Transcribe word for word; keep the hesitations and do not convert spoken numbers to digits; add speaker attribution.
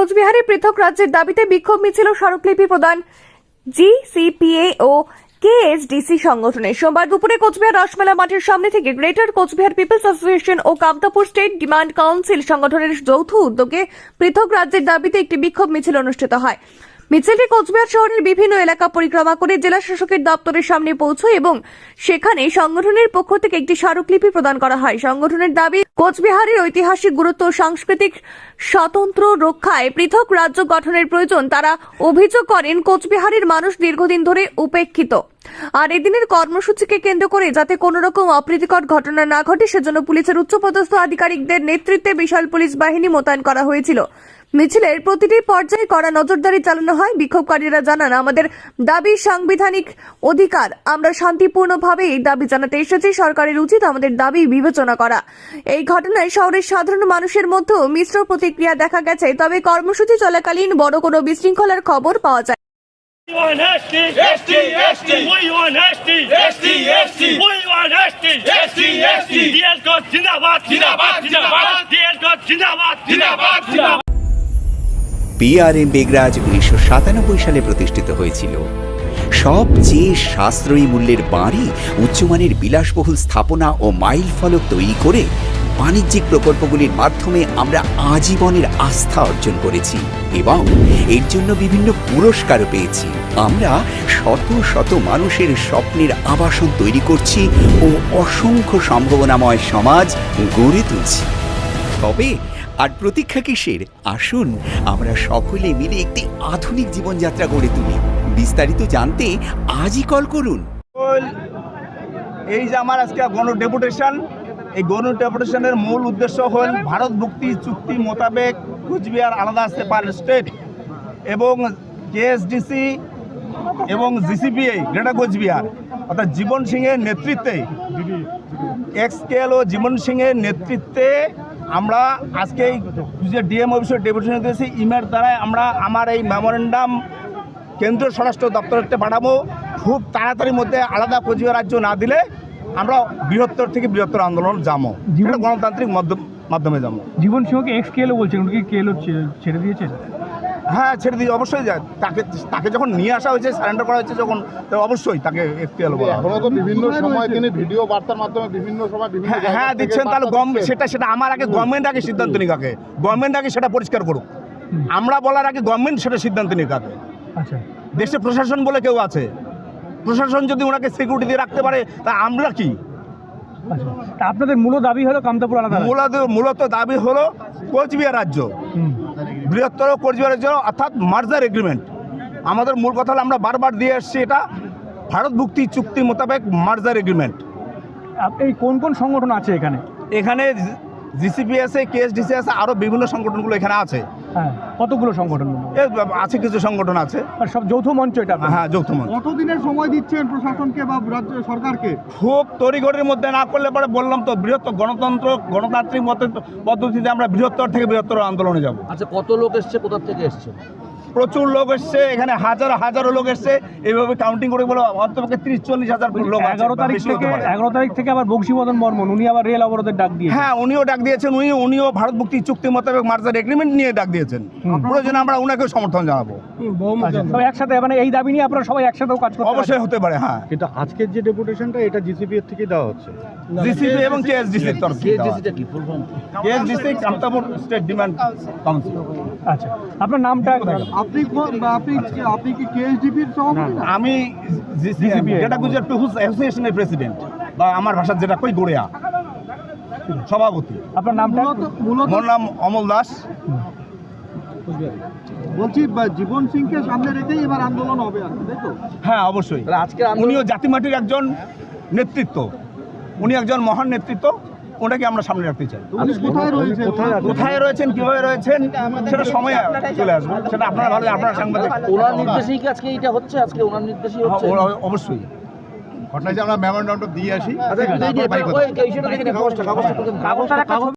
Speaker 1: কোচবিহারে পৃথক রাজ্যের দাবিতে বিক্ষোভ মিছিল ও স্মারকলিপি প্রদান জিসিপিএ ও কেএসডিসি সংগঠনের। সোমবার দুপুরে কোচবিহার রসমেলা মাঠের সামনে থেকে গ্রেটার কোচবিহার পিপলস অ্যাসোসিয়েশন ও কামতাপুর স্টেট ডিমান্ড কাউন্সিল সংগঠনের যৌথ উদ্যোগে পৃথক রাজ্যের দাবিতে একটি বিক্ষোভ মিছিল অনুষ্ঠিত হয়। মিছিলটি কোচবিহার শহরের বিভিন্ন এলাকা পরিক্রমা করে জেলা শাসকের দপ্তরের সামনে পৌঁছয় এবং সেখানে সংগঠনের পক্ষ থেকে একটি স্মারকলিপি প্রদান করা হয়। সংগঠনের দাবি, কোচবিহারের ঐতিহাসিক গুরুত্ব ও সাংস্কৃতিক স্বতন্ত্র রক্ষায় পৃথক রাজ্য গঠনের প্রয়োজন। তারা অভিযোগ করেন, কোচবিহারের মানুষ দীর্ঘদিন ধরে উপেক্ষিত, আর এদিনের কর্মসূচিকে কেন্দ্র করে যাতে কোন রকম অপ্রীতিকর ঘটনা না ঘটে সেজন্য পুলিশের উচ্চপদস্থ আধিকারিকদের নেতৃত্বে বিশাল পুলিশ বাহিনী মোতায়েন করা হয়েছিল। মিছিলের প্রতিটি পর্যায়ে কড়া নজরদারি চালানো হয়। বিক্ষোভকারীরা জানান, আমাদের দাবি সাংবিধানিক অধিকার, আমরা শান্তিপূর্ণভাবে এই দাবি জানাতে এসেছি। সরকারের উচিত আমাদের দাবি বিবেচনা করা। এই ঘটনায় শহরের সাধারণ মানুষের মধ্যেও মিশ্র প্রতিক্রিয়া দেখা গেছে, তবে কর্মসূচি চলাকালীন বড় কোনো বিশৃঙ্খলার খবর পাওয়া যায়।
Speaker 2: We want S T, S T, S T. We want S T, S T, S T. We want S T, S T, S T. D L God Zindabad, Zindabad, Zindabad. D L God Zindabad, Zindabad, Zindabad.
Speaker 3: PRM Begraj উনিশশো সাতানব্বই সালে প্রতিষ্ঠিত হয়েছিল। সবচেয়ে সাশ্রয়ী মূল্যের বাড়ি, উচ্চমানের বিলাসবহুল স্থাপনা ও মাইল ফলক তৈরি করে বাণিজ্যিক প্রকল্পগুলির মাধ্যমে আমরা আজীবনের আস্থা অর্জন করেছি এবং এর জন্য বিভিন্ন পুরস্কারও পেয়েছি। আমরা শত শত মানুষের স্বপ্নের আবাসন তৈরি করছি ও অসংখ্য সম্ভাবনাময় সমাজ গড়ে তুলছি। তবে আর প্রতীক্ষা কিসের? আসুন আমরা সকলে মিলে একটি আধুনিক জীবনযাত্রা গড়ে তুলি। বিস্তারিত জানতে আজই কল করুন।
Speaker 4: এই যে আমার আজকে গণ ডেপুটেশন, এই গণ ডেপুটেশনের মূল উদ্দেশ্য হল ভারত মুক্তি চুক্তি মোতাবেক কোচবিহার আলাদা আসতে পারে স্টেট এবং কেএসডিসি এবং জিসিপিএ গ্রেটার কোচবিহার অর্থাৎ জীবন সিংয়ের নেতৃত্বে, এক্সকেল ও জীবন সিংয়ের নেতৃত্বে আমরা আজকে যে ডিএম অফিসের ডেপুটেশন দিয়েছি, ইমেল দ্বারাই আমরা আমার এই মেমোরেন্ডাম কেন্দ্রীয় স্বরাষ্ট্র দপ্তরতে পাঠাবো। খুব তাড়াতাড়ির মধ্যে আলাদা কোচবিহার রাজ্য না দিলে আমরা বৃহত্তর থেকে বৃহত্তর আন্দোলন যাবো, যেটা গণতান্ত্রিক মাধ্যমে যাবো।
Speaker 5: জীবন সিংহকে এক্স কেএলও বলছেন, উনি কি কেএলও ছেড়ে দিয়েছেন?
Speaker 4: হ্যাঁ, ছেড়ে দিয়ে অবশ্যই যায়। তাকে তাকে যখন নিয়ে আসা হয়েছে, সারেন্ডার করা হয়েছে যখন, তো অবশ্যই তাকে এক্স কেএলও বলা।
Speaker 6: এখনো তো বিভিন্ন সময় তিনি ভিডিও বার্তার মাধ্যমে বিভিন্ন সময় বিভিন্ন
Speaker 4: হ্যাঁ দিচ্ছেন, তাহলে সেটা সেটা আমার আগে গভর্নমেন্ট আগে সিদ্ধান্ত নিক, আগে গভর্নমেন্ট আগে সেটা পরিষ্কার করুক। আমরা বলার আগে গভর্নমেন্ট সেটা সিদ্ধান্ত নিক আগে।
Speaker 5: আচ্ছা,
Speaker 4: দেশে প্রশাসন বলে কেউ আছে, প্রশাসন যদি ওনাকে সিকিউরিটি দিয়ে রাখতে পারে তা আমরা কি?
Speaker 5: তা আপনাদের মূল দাবি হলো কামতাপুর আলাদা?
Speaker 4: মূলত মূলত দাবি হলো কোচবিহার রাজ্য, বৃহত্তর কোচবিহার রাজ্য অর্থাৎ মার্জার এগ্রিমেন্ট। আমাদের মূল কথা হলো, আমরা বারবার দিয়ে আসছি, এটা ভারত মুক্তি চুক্তি মোতাবেক মার্জার এগ্রিমেন্ট।
Speaker 5: এই কোন কোন সংগঠন আছে এখানে?
Speaker 4: এখানে জিসিপি আছে, কেএসডিসি আছে, আরও বিভিন্ন সংগঠনগুলো এখানে আছে।
Speaker 5: হ্যাঁ, কতগুলো সংগঠন
Speaker 4: আছে? কিছু সংগঠন আছে,
Speaker 5: আর সব যৌথ মঞ্চ এটা?
Speaker 4: হ্যাঁ, যৌথ মঞ্চ।
Speaker 6: কতদিনের সময় দিচ্ছেন প্রশাসনকে বা রাজ্য সরকারকে?
Speaker 4: খুব তড়িঘড়ির মধ্যে না করলে পরে বললাম তো, বৃহত্তর গণতন্ত্র গণতান্ত্রিক পদ্ধতিতে আমরা বৃহত্তর থেকে বৃহত্তর আন্দোলনে যাব।
Speaker 7: আচ্ছা, কত লোক এসছে, কোথা থেকে এসছে?
Speaker 4: প্রচুর লোক এসছে, এখানে হাজারো হাজারো লোক এসছে। এইভাবে কাউন্টিং করে বলো অন্তপক্ষে ত্রিশ চল্লিশ হাজার লোক।
Speaker 5: এগারো তারিখ থেকে এগারো তারিখ থেকে আবার বংশীবদন বর্মন, উনি আবার রেল অবরোধের ডাক দিয়েছেন।
Speaker 4: হ্যাঁ, উনিও ডাক দিয়েছেন। উনি উনিও ভারত মুক্তি চুক্তি মোতাবেক মার্জার এগ্রিমেন্ট নিয়ে ডাক দিয়েছেন। প্রয়োজনে আমরা উনাকেও সমর্থন জানাবো।
Speaker 5: সবাই একসাথে, মানে এই দাবি নিয়ে আপনারা সবাই একসাথেও কাজ করতে?
Speaker 4: অবশ্যই হতে পারে। হ্যাঁ,
Speaker 6: কিন্তু আজকের যে ডেপুটেশনটা এটা জিসিপি এর থেকে দেওয়া হচ্ছে,
Speaker 4: জিসিপি এবং কেএসডিসির তরফ থেকে।
Speaker 7: কেএসডিসিটা কি full form?
Speaker 4: KSDC Kamtapur state demand council.
Speaker 5: আচ্ছা, আপনার নামটা?
Speaker 6: আপনি আপনি আপনি কি কেএসডিপির সভাপতি?
Speaker 4: আমি যেটা গুজরাট পিপলস অ্যাসোসিয়েশনের প্রেসিডেন্ট, বা আমার ভাষার যেটা কই গড়িয়া সভাপতি।
Speaker 5: আপনার নামটা?
Speaker 4: মোর নাম অমল দাস।
Speaker 6: বলছি জীবন সিংকে সামনে রেখেই এবার আন্দোলন হবে, তাই তো?
Speaker 4: হ্যাঁ, অবশ্যই।
Speaker 7: আজকে
Speaker 4: উনিও জাতিমাটির একজন নেতৃত্ব, উনি একজন মহান নেতৃত্ব, ওনাকে আমরা সামনে রাখতে চাই।
Speaker 6: কোথায় রয়েছেন
Speaker 4: কোথায় রয়েছেন কিভাবে রয়েছেন সেটা সময় চলে আসবে, সেটা আপনারা ভালো, আপনারা সাংবাদিক।
Speaker 7: ওনার নির্দেশেই কি আজকে এটা হচ্ছে? আজকে ওনার নির্দেশেই হচ্ছে?
Speaker 4: অবশ্যই।
Speaker 6: ঘটনা যে আমরা মেমোরেন্ডামটা দিয়ে আসি।
Speaker 7: আচ্ছা,